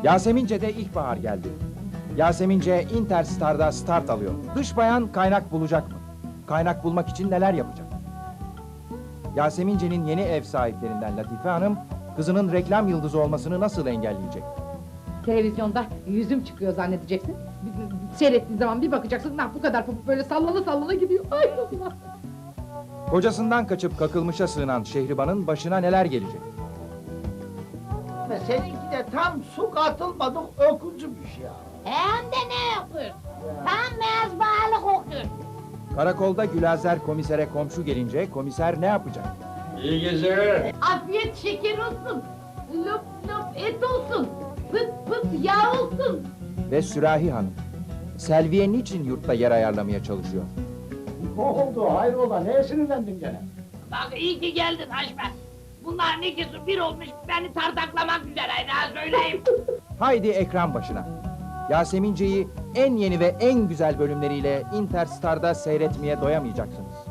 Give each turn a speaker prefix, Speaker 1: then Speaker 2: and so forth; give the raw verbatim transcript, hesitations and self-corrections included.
Speaker 1: Yasemince'de ilkbahar geldi. Yasemince Interstar'da start alıyor. Dış bayan kaynak bulacak mı? Kaynak bulmak için neler yapacak? Yasemince'nin yeni ev sahiplerinden Latife Hanım, kızının reklam yıldızı olmasını nasıl engelleyecek?
Speaker 2: Televizyonda yüzüm çıkıyor zannedeceksin. Seyrettiğin zaman bir bakacaksın, nah bu kadar pamuk böyle sallana sallana gidiyor. Ay Allah!
Speaker 1: Kocasından kaçıp kakılmışa sığınan Şehriban'ın başına neler gelecek?
Speaker 3: Seninki de tam su katılmadık öküzmüş ya.
Speaker 4: Hem de ne yapıyor? Tam beyaz bağlı kokuyor.
Speaker 1: Karakolda Gülazer komisere komşu gelince komiser ne yapacak?
Speaker 5: İyi geceler.
Speaker 2: Afiyet şeker olsun, löp löp et olsun, pıt pıt yağ olsun.
Speaker 1: Ve Sürahi Hanım, Selviye niçin yurtta yer ayarlamaya çalışıyor?
Speaker 3: Ne oldu hayrola neye sinirlendin gene?
Speaker 6: Bak iyi ki geldin Haşmet. Bunların ikisi bir olmuş beni tartaklamak üzereydi ha söyleyeyim.
Speaker 1: Haydi ekran başına. Yasemince'yi en yeni ve en güzel bölümleriyle Interstar'da seyretmeye doyamayacaksınız.